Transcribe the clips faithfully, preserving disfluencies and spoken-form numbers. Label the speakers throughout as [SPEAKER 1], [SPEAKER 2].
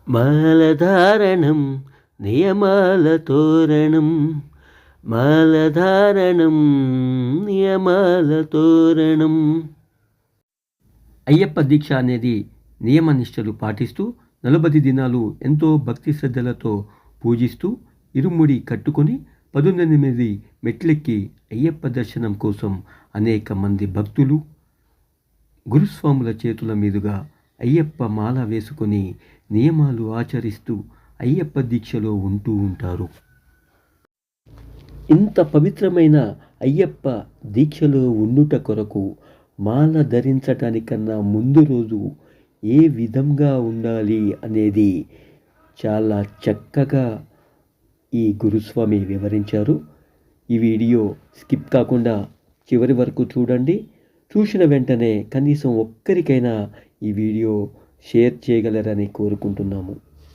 [SPEAKER 1] మాలధారణం నియమాల తోరణం, మాలధారణం నియమాల తోరణం. అయ్యప్ప దీక్ష అనేది నియమనిష్టలు పాటిస్తూ నలభై దినాలు ఎంతో భక్తి శ్రద్ధలతో పూజిస్తూ ఇరుముడి కట్టుకొని పదునెనిమిది మెట్లెక్కి అయ్యప్ప దర్శనం కోసం అనేక మంది భక్తులు గురుస్వాముల చేతుల మీదుగా అయ్యప్ప మాల వేసుకొని నియమాలు ఆచరిస్తూ అయ్యప్ప దీక్షలో ఉంటూ ఉంటారు. ఇంత పవిత్రమైన అయ్యప్ప దీక్షలో ఉండుట కొరకు మాల ధరించటానికన్నా ముందు రోజు ఏ విధంగా ఉండాలి అనేది చాలా చక్కగా ఈ గురుస్వామి వివరించారు. ఈ వీడియో స్కిప్ కాకుండా చివరి వరకు చూడండి. చూసిన వెంటనే కనీసం ఒక్కరికైనా ఈ వీడియో షేర్ చేయగలరని కోరుకుంటున్నాము.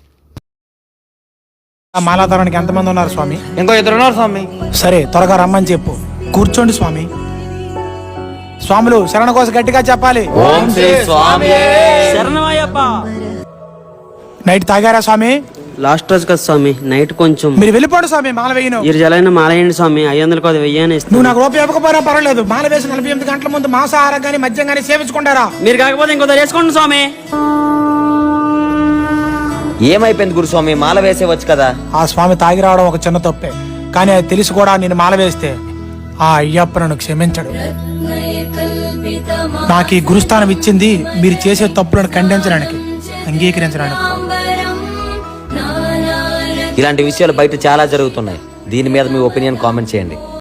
[SPEAKER 2] మాలాధారానికి ఎంతమంది ఉన్నారు స్వామి?
[SPEAKER 3] ఇంకో ఇద్దరు ఉన్నారు స్వామి.
[SPEAKER 2] సరే, త్వరగా రమ్మని చెప్పు. కూర్చోండి స్వామి. స్వాములు శరణ కోసం గట్టిగా చెప్పాలి.
[SPEAKER 3] ఓం శ్రీ స్వామి
[SPEAKER 4] శరణమయ్యప్ప.
[SPEAKER 2] నైట్ తాగారా స్వామి?
[SPEAKER 4] లాస్ట్ రోజు కదా స్వామి, నైట్ కొంచెం.
[SPEAKER 2] మీరు వెళ్ళిపోండి స్వామి. మాల వేయను.
[SPEAKER 4] ఈ జలైన మాలయండి స్వామి. ఐదు వందలకు అది వెయ్యాని
[SPEAKER 2] నువ్వు నాకు రూపాయి ఇవ్వకపోయినా పర్వాలేదు. మాల వేసి నలభై ఎనిమిది గంటల ముందు మాంసాహారం కానీ మద్యం కానీ సేవించుకుంటారా?
[SPEAKER 4] మీరు కాకపోతే ఇంకో వేసుకోండి స్వామి.
[SPEAKER 3] ఏమైపోయింది గురుస్వామి? మాల వేసేవచ్చు కదా.
[SPEAKER 2] ఆ స్వామి తాగి రావడం ఒక చిన్న తప్పే, కానీ అది తెలిసి కూడా నేను మాల వేస్తే ఆ అయ్యప్ప నన్ను క్షమించడు. నాకు ఈ గురుస్థానం ఇచ్చింది మీరు చేసే తప్పులను ఖండించడానికి, అంగీకరించడానికి.
[SPEAKER 3] ఇలాంటి విషయాలు బయట చాలా జరుగుతున్నాయి. దీని మీద మీ ఒపీనియన్ కామెంట్ చేయండి.